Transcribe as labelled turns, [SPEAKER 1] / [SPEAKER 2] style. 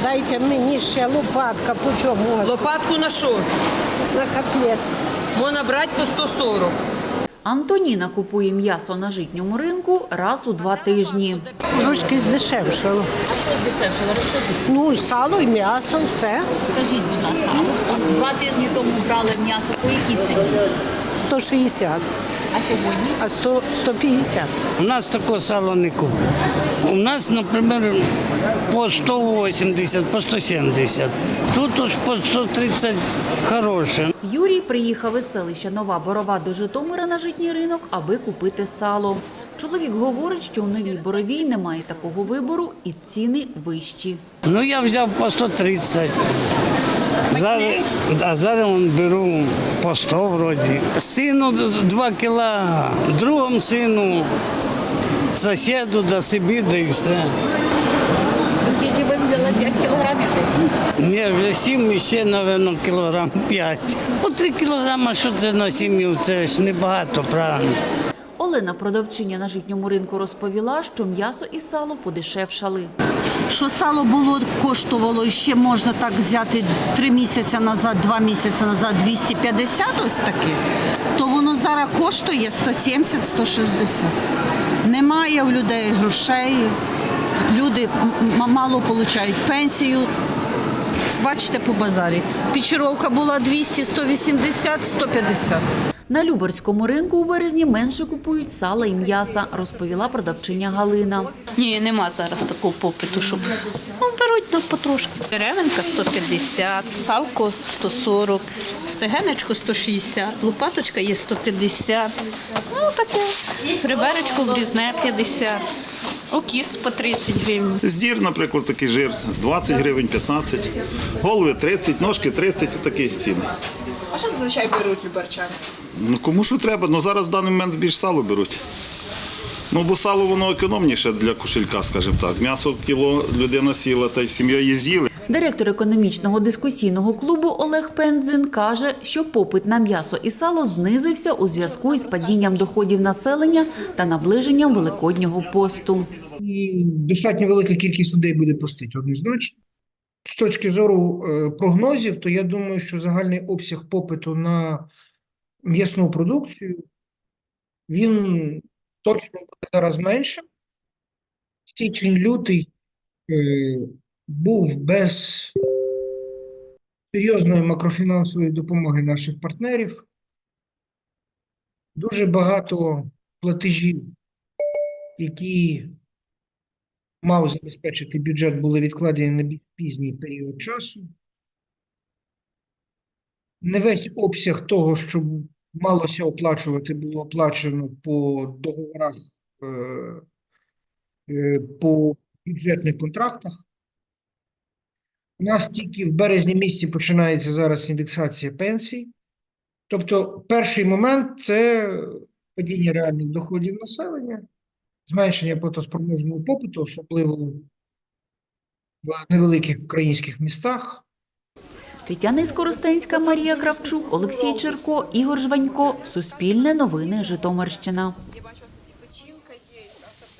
[SPEAKER 1] Дайте мені ще лопатка, по чому?
[SPEAKER 2] Лопатку на що?
[SPEAKER 1] На котлет.
[SPEAKER 2] Можна брати по 140.
[SPEAKER 3] Антоніна купує м'ясо на житньому ринку раз у 2 тижні.
[SPEAKER 1] Трошки здешевшало.
[SPEAKER 3] А що здешевшало? Розкажіть.
[SPEAKER 1] Ну, сало і м'ясо, все.
[SPEAKER 3] Скажіть, будь ласка, а ви 2 тижні тому брали м'ясо по якій ціні?
[SPEAKER 1] 160,
[SPEAKER 3] А сьогодні?
[SPEAKER 1] а 150.
[SPEAKER 4] У нас такого сала не купить. У нас, наприклад, по 180, по 170. Тут уж по 130 хороше.
[SPEAKER 3] Юрій приїхав із селища Нова Борова до Житомира на житній ринок, аби купити сало. Чоловік говорить, що у Новій Боровій немає такого вибору і ціни вищі.
[SPEAKER 4] Ну, я взяв по 130. Зараз беру по 100 вроді. Сину 2 кіла, другому сину, сусіду, до собі, да і все.
[SPEAKER 3] Скільки ви взяли 5 кілограмів десь?
[SPEAKER 4] Ні, вже 7 і ще, мабуть, кілограм 5. По 3 кілограми, що це на сім'ю, це ж небагато, правильно.
[SPEAKER 3] Олена, продавчиня на житньому ринку, розповіла, що м'ясо і сало подешевшали.
[SPEAKER 5] Що сало коштувало ще можна так взяти 3 місяці назад, 2 місяці назад 250 ось таке, то воно зараз коштує 170-160. Немає в людей грошей, люди мало отримують пенсію. Бачите по базарі. Печеровка була 200, 180, 150.
[SPEAKER 3] На Любарському ринку у березні менше купують сала і м'яса, розповіла продавчиня Галина.
[SPEAKER 6] Ні, нема зараз такого попиту, щоб беруть потрошки. Деревенка 150, салко 140, стегенечко 160, лопаточка є 150, ну таке, реберечко врізне 50. Окіс по 30 гривень.
[SPEAKER 7] Здір, наприклад, такий жир 20 гривень, 15, голови 30, ножки 30, такі ціни.
[SPEAKER 8] А що зазвичай беруть любарчани?
[SPEAKER 7] Ну, кому що треба, ну зараз в даний момент більш сало беруть. Ну, бо сало воно економніше для кошелька, скажімо так. М'ясо кіло людина сіла та й сім'єю з'їли.
[SPEAKER 3] Директор економічного дискусійного клубу Олег Пензин каже, що попит на м'ясо і сало знизився у зв'язку із падінням доходів населення та наближенням Великоднього посту.
[SPEAKER 9] І достатньо велика кількість людей буде постити однозначно. З точки зору прогнозів, то я думаю, що загальний обсяг попиту на м'ясну продукцію, він точно буде зараз менше. Січень-лютий був без серйозної макрофінансової допомоги наших партнерів. Дуже багато платежів, які мав забезпечити бюджет, були відкладені на більш пізній період часу. Не весь обсяг того, що малося оплачувати, було оплачено по договорах, по бюджетних контрактах. У нас тільки в березні місяці починається зараз індексація пенсій. Тобто перший момент – це падіння реальних доходів населення, зменшення платоспроможного попиту, особливо в невеликих українських містах.
[SPEAKER 3] Тетяна Іскоростенська, Марія Кравчук, Олексій Черко, Ігор Жванько. Суспільне новини, Житомирщина.